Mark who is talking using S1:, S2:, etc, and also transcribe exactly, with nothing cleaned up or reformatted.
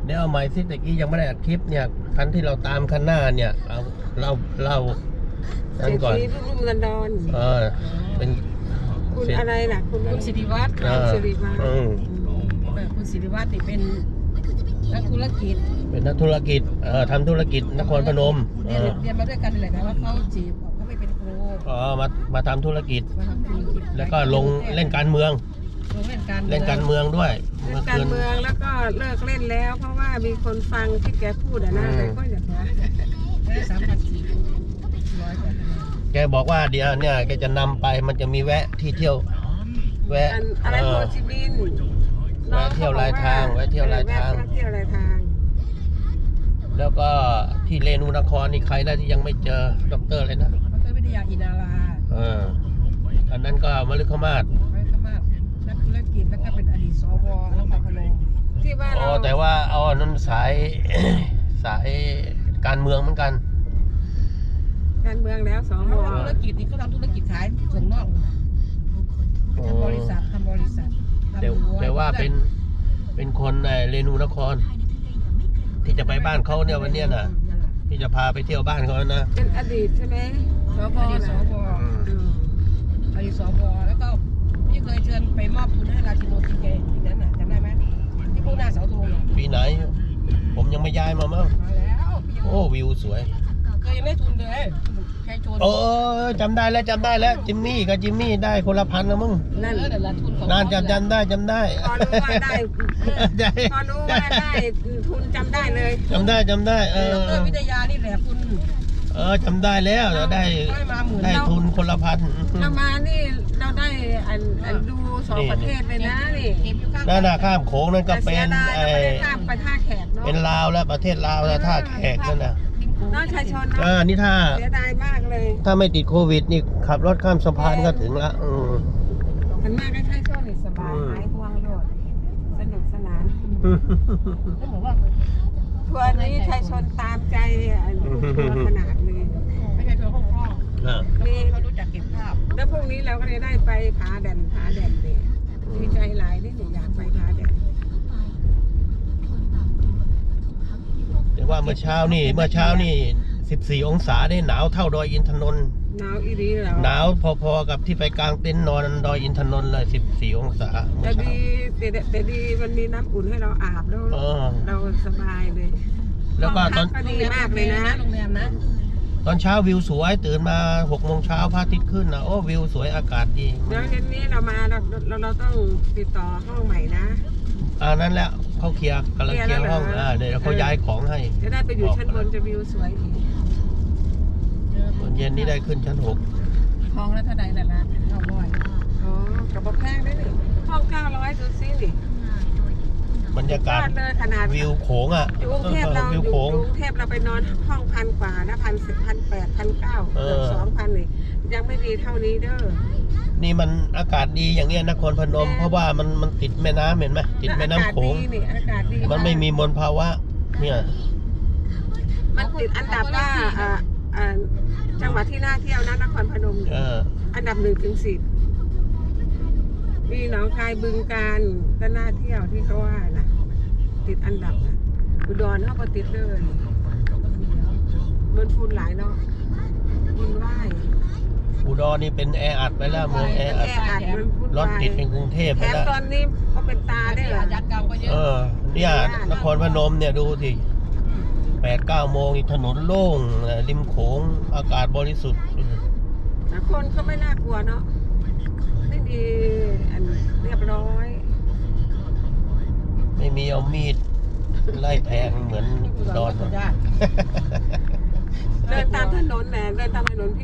S1: เดี๋ยวเอาใหม่สิตะกี้ยังไม่ได้อัดคลิปเนี่ยคันที่เราตามคันหน้าเนี่ยเอาเราเรานั่นก่อน
S2: เศรษฐีรุ่งเรืองดอน
S1: เออเป็น
S2: คุณอะไรล่ะคุณ
S3: คุณสิริวัฒน์
S1: เออ
S2: สิริวัฒน์
S1: อืม
S3: คุณสิริวัฒน์นี่เป็นนักธุรกิจ
S1: เป็นนักธุรกิจเอ่อทำธุรกิจนครพนมเอ
S3: เรียน
S1: อ
S3: เรียนมาด้วยกันนี่แหละแต่ว่าเขาจีบเขาไม่เป็นครู
S1: อ๋อมามาทำธุรกิจ
S3: มาทำธุรกิจ
S1: แล้วก็ลงเล่นการเมือง
S3: ลงเล่นการ
S1: เล่นการเมืองด้วย
S2: เล่
S1: เมื่
S2: น
S1: อ
S2: การ
S1: คืน
S2: เมืองแล้วก็เลิกเล่นแล้ว เพราะว่ามีคนฟังที่แกพูดอะนะ
S1: อืม
S2: แต่ก็อย่าว่า
S3: ได้สามพันสี่ร้อยกว่าคะแนน
S1: แกบอกว่าเดี๋ยวเนี่ยแกจะนำไปมันจะมีแวะที่เที่ยว แวะ
S2: อันอะไร
S1: เอ
S2: โฮ
S1: อ
S2: จิมินห์
S1: แวะเที่ยวรายทางแวะเที่ยวรายทาง
S2: แวะเที่ยวรายทาง
S1: แล้วก็ที่เรนูนครนี่ใครแล้วที่ยังไม่เจอดอกเตอร์เลยนะ
S3: ดรวิทยาอินารา
S1: เอออันนั้นก็มฤคมาศ
S3: ไว้ข้างมากนักธุรกิจแล้วก็เป็นอดีตสวนครพนม
S2: ที่ว่า
S1: อ๋อ
S2: เรา
S1: แต่ว่าเอาอันนั้นสาย สายการเมืองเหมือนกัน
S2: การเมืองแล้วสอง
S3: เขา
S2: ว
S3: ทำธุรกิจนี่เขาทำธุรกิจขายส่งนอก
S1: อ๋อ
S3: ทำบริษัททำบริษัททำ
S1: แต่
S3: รั้
S1: แต่ว่าเป็นเป็นคนในเรนูนคร ที่จะไปบ้านเขาเนี่ยวันเนี้ยน่ะ ที่จะพาไปเที่ยวบ้านเขานะ
S2: เป็นอดีตใช่ไหม
S3: สวอดีตสว
S1: อืม
S2: อืม
S3: อดีตสวแล้วก็พี่เคยเชิญไปมอบทุนให้ราชินีทีเกทีนั้นน่ะจำได้ไหมที่พวกหน้าเสาธงน่ะ
S1: ปีไหน ผมยังไม่ย้ายมามั้ง
S3: มาแล้วพี่ยัง
S1: โอ้วิวสวย
S3: เคยยังได้ทุนเลยใครชวน
S1: โอ้จำได้แล้วจำได้แล้วจิมมี่กับจิมมี่ได้คนละพันนะมึง
S2: นั่น
S3: เออแต่ละทุนของ
S1: นานจำจำได้จำได้
S2: พอรู้ว่าได้
S1: ได้
S2: พอรู้ว่าได้ทุนจำได้เลย
S1: จำได้จำได้เอ
S3: ด
S1: อ
S3: รวิทยานี่แหละคุณ
S1: เออจำได้แล้วเดี๋ยวได้
S3: ได้มาหมื่น
S1: ได้ทุนคนละพัน
S2: เรามานี่เราได้อันอันดูสองประเทศเลยนะนี่
S3: เก็บอยู่ข้าง
S1: นั่นน่ะข้ามโขงนั่นก็
S2: แต่
S1: เป็
S2: เสีย
S1: น
S2: ดาย
S1: ไอ
S2: เราไม่ได้ข้ามไปท่าแขกเนาะ
S1: เป็นลาวแล้วประเทศลาวแล้วท่าแขกนั่นน่ะ
S2: น้องชายชน
S1: เอ
S2: เนาะ
S1: อนี่ถ้า
S2: เสียดายมากเลย
S1: ถ้าไม่ติดโควิดนี่ขับรถข้ามสะพานก็ถึงละอืม
S2: มันมากใกล้ๆช่วงนี้สบาย
S1: อืม
S2: หายห่วงโลดสนุกสนาน
S3: ต้องบอกว่า
S2: ทัวร์นี้ชายชนตามใจอันทุกทัวร์ขนาดเลย
S3: ไม่ใช่ตัวคล่อง
S1: อ่ะ
S3: ๆมีเขารู้จักเก็บภาพ
S2: แล้วพรุ่งนี้เราก็เลยได้ไปผาแดนผาแดนเนี่ยดีใจหลายที่หนูอยากไปผาแดน
S1: แต่ว่าเมื่อเช้านี่เมื่อเช้านี่สิบสี่องศาได้หนาวเท่าดอยอินทนนท์
S2: หนาวอีรีแล้ว
S1: หนาวพอๆกับที่ไปกลางเต็นท์นอนดอยอินทนนท์เลยสิบสี่องศาเมื่
S2: แต่
S1: อเช้า
S2: ดีแต่แต่ดีมันมีน้ำอุ่นให้เราอาบแล้ว
S1: เออ
S2: เราสบายเลย
S1: แล้วก็ตอน
S2: ห้งพัก็ดีมากเลยนะ
S3: โรงแรมนะ
S1: ตอนเช้าวิวสวยตื่นมาหกโมงเช้าพระอาทิตย์ขึ้นนะโอ้วิวสวยอากาศดี
S2: เดี๋ยวเย็นนี้เรามาเราเราเราต้องติดต่อห้องใหม่นะ
S1: อ่านั่นแหละเขาเคลียร์กำลังเคลียร์ห้องอ่าเดี๋ยวเขาย้ายของให้
S2: จะได้ไปอยู่ชั้นบนจะวิวสวยอีก
S1: ตอนเย็นนี้ได้ขึ้นชั้นหก
S3: ทองแล้วเท่าใดแต่ละเท่าร้อย
S2: อ๋อกับแพงได้นี่ห้องเก้าร้อยดูซินี่
S1: บรรยากาศ
S2: บ้นเลยขนาด
S1: วิวโขงอ่ะ
S2: อยู่กรุงเทพเรา
S1: วิ
S2: อ
S1: ว
S2: ยู่
S1: โขง
S2: กรุงเทพเราไปนอนห้องพันกว่านะพันสิบพันแปดพันเก้า
S1: เออ
S2: เกือบสองพันนี่ยังไม่ดีเท่านี้เด้อ
S1: นี่มันอากาศดีอย่างเงี้ยนครพนม เพราะว่ามันมันติดแม่น้ำเห็นไหมติดแม่น้ำโขง
S2: อากาศดีนี่อากาศดี
S1: มันไม่มีมลภาวะ เนี่ย
S2: มันติดอันดับว่าอ่าอ่าจังหวัดที่น่าเที่ยวนะนครพนม
S1: เออ
S2: อันดับหนึ่งถึงสิบมีหนองคายบึงการก็น่าเที่ยวที่เขาว่านะติดอันดับนะอุดรเขาก็ติดเลยมันฝุ่นหลายเนาะฝุ่นว่าย
S1: อุดรนี่เป็นแออัดไปแล้วเมืองแออัด
S2: แออัดมันฝุ่น
S1: รถ
S2: วาย
S1: ติดเป็นกรุงเทพ
S2: แถ
S1: ไป
S2: ม
S1: แล้ว
S2: ตอนนี้เขาเป็นตาได้เหรอ
S3: ยัดกรรมก็เย
S1: เอ
S3: อะ
S1: อ เนี่ยนครพนมเนี่ยดูสิแปดเก้าโมงนี่ถนนโล่งริมโขงอากาศบริสุทธิ์
S2: แต่คนก็ไม่น่ากลัวเนาะไม่มีอันเรียบร้อย
S1: ไม่มีเอามีดไล่แทงเหมือนอุดอน
S3: ญาติ
S2: เดินตามถนนแหละเดินตามถนน